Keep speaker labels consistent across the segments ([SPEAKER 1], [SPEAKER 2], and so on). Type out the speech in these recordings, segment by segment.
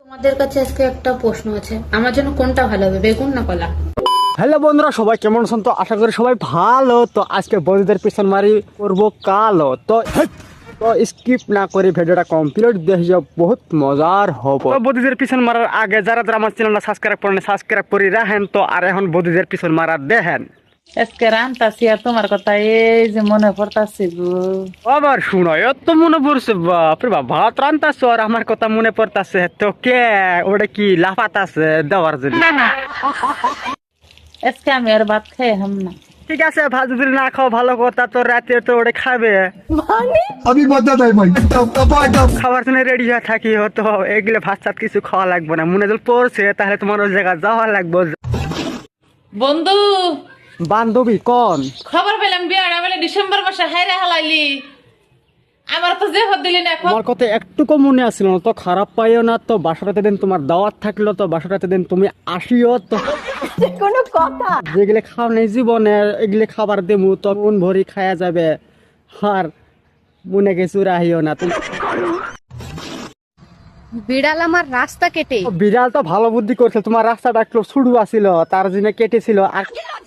[SPEAKER 1] তোমাদের কাছে আজকে একটা প্রশ্ন আছে, আমার জন্য কোনটা ভালো হবে, বেগুন না কলা?
[SPEAKER 2] হ্যালো বন্ধুরা, সবাই কেমন আছেন? তো আশা করি সবাই ভালো। তো আজকে বন্ধুদের পিছন মারি করবো কালো। তো স্কিপ না করে ভিডিওটা কমপ্লিট দেখে যাও, বহুত মজার হবে। তো বন্ধুদের পিছন মারার আগে যারা যারা আমার চ্যানেলটা সাবস্ক্রাইব করেন সাবস্ক্রাইব করে রাখেন। তো আর এখন বন্ধুদের পিছন মারা দেখেন।
[SPEAKER 3] আজকে রান্তাছি আর তোমার কথা এই যে মনে পড়তাছে গো।
[SPEAKER 2] আবার শুনো, এত মনে পড়ছে? বাপরে বাপ, ভাত রান্তাছ আর আমার কথা মনে পড়তাছে। তো কে ওটা কি লাফাতাছে দেওয়ার জন্য?
[SPEAKER 3] আজকে আমি আর ভাত খাই হাম না।
[SPEAKER 2] ঠিক আছে, ভাত যদি না খাও ভালো কথা, তো রাতে তো ওটা খাবে।
[SPEAKER 4] अभी बता है भाई
[SPEAKER 2] খাবার জন্য রেডি হয়ে থাকি, হতো এগুলো ভাত সাত কিছু খাওয়া লাগবে না। মনে যদি পড়ছে তাহলে তোমার ওই জায়গায় যাওয়া লাগবে।
[SPEAKER 3] বন্ধু,
[SPEAKER 2] বান্ধবী কোন?
[SPEAKER 3] খবর পেলাম বিয়াটা বলে ডিসেম্বর মাসে হাইরে হালাইলি। আমার তো যে হদ দিলি না এখন।
[SPEAKER 2] আমার কথা একটুকু মনে আসছিল না, তো খারাপ পাইও না। তো বাসাটাতে দিন তোমার দাওয়াত থাকলো, তো বাসাটাতে দিন তুমি আসিও। তো
[SPEAKER 1] কোনো কথা?
[SPEAKER 2] যেগুলো খাও নেই জীবনে এগুলো খাবার দেবো, তো মন ভরি খায়া যাবে। আর মনে কিছু রাহিও না তুমি।
[SPEAKER 1] বিড়াল আমার রাস্তা কেটে।
[SPEAKER 2] বিড়াল তো ভালো বুদ্ধি করছে, তোমার রাস্তাটা একটু শুরু আছিল তার জন্য কেটেছিল। আর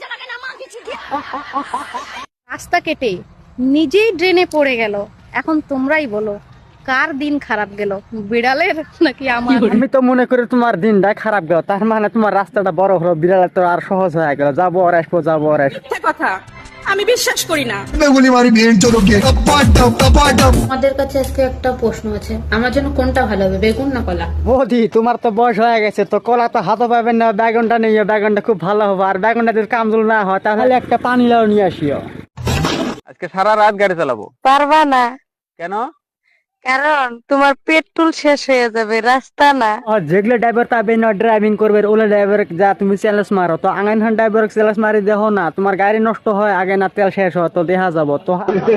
[SPEAKER 1] রাস্তা কেটে নিজেই ড্রেনে পড়ে গেল। এখন তোমরাই বলো কার দিন খারাপ গেল, বিড়ালের নাকি আমার?
[SPEAKER 2] আমি তো মনে করি তোমার দিনটা খারাপ গেল, তার মানে তোমার রাস্তাটা বড় হলো, বিড়ালের তো আর সহজ হয়ে গেল। যাবো আর আসবো, যাবো আর আসবো।
[SPEAKER 5] কথা আমি বিশ্বাস করি না।
[SPEAKER 4] मैं बोली मारी बहन चोरों के टपाटप
[SPEAKER 1] তোমাদের কাছে আজকে একটা প্রশ্ন আছে, আমার জন্য কোনটা ভালো হবে, বেগুন না কলা?
[SPEAKER 2] বৌদি, তোমার তো বয়স হয়ে গেছে, তো কলা তো হাতে পাবেন না। বেগুনটা নিয়ে বেগুনটা খুব ভালো হবে। আর বেগুনটা যদি কামজুল না হয় তাহলে একটা পানি লাউ নিয়ে আসিও।
[SPEAKER 6] আজকে সারা রাত গাড়ি চালাবো।
[SPEAKER 3] পারবা না,
[SPEAKER 6] কেন?
[SPEAKER 3] কারণ তোমার পেট্রোল শেষ হয়ে যাবে, রাস্তা না।
[SPEAKER 2] আর যেগুলো ড্রাইভার পাবে না ড্রাইভিং করবে, ওগুলো ড্রাইভার যা তুমি চ্যালেঞ্জ মারো। তো আঙান খান ড্রাইভার চ্যালেঞ্জ মারি দেখো না, তোমার গাড়ি নষ্ট হয় আগে না তেল শেষ হয়, তো দেখা যাবো। তো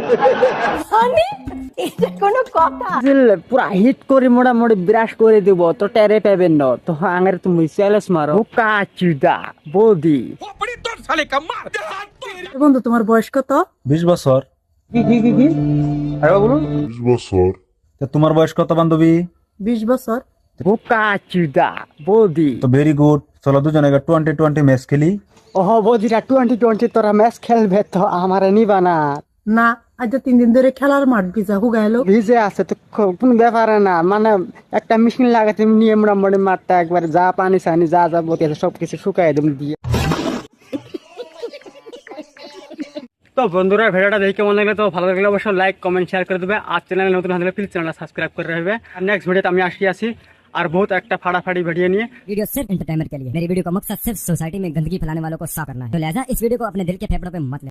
[SPEAKER 1] কোনো কথা?
[SPEAKER 2] পুরা হিট করে মোটামুটি ব্রাশ করে দিব, তো টেরে পাবেন না। তো আঙের তুমি চ্যালেঞ্জ মারো কাচুদা বৌদি।
[SPEAKER 3] বন্ধু, তোমার বয়স কত?
[SPEAKER 7] 20 বছর।
[SPEAKER 6] আরে বলুন।
[SPEAKER 7] তো তোমার বয়স কত বান্ধবী?
[SPEAKER 3] 20 বছর।
[SPEAKER 2] কাচুদা বৌদি।
[SPEAKER 7] তো ভেরি গুড, চলো দুজনে 20-20 ম্যাচ খেলি।
[SPEAKER 2] ওহ বৌদিরা 20-20 তোরা ম্যাচ খেলবে, তো আমারে নিবা না?
[SPEAKER 3] না, আজ 3 দিন ধরে খেলার মাঠ ভিজা হুগাইলো।
[SPEAKER 2] ভিজে আছে তো কোনো ব্যাপারে না, মানে একটা মেশিন লাগাতে নিয়ে মোটামুটি মাঠটা একবার যা পানি সানি যা যা বতি আছে সবকিছু শুকাই দেব দিয়ে। তো বন্ধুরা, ভিডিওটা দেখে কেমন লাগলে, তো ভালো লাগলে অবশ্যই লাইক কমেন্ট শেয়ার করে দেবে। আর চ্যানেলে নতুন হলে প্লিজ চ্যানেলটা সাবস্ক্রাইব করে রাখবে। আর নেক্সট ভিডিওতে আমি আসি আর বহুত একটা ফাড়াফাড়ি ভিডিও নিয়ে।
[SPEAKER 8] वीडियो सिर्फ एंटरटेनमेंट के लिए। मेरी वीडियो का मकसद सिर्फ सोसाइटी में गंदगी फैलाने वालों को साफ करना है। तो लिहाजा इस वीडियो को अपने दिल के फेफड़ों पे मत ले।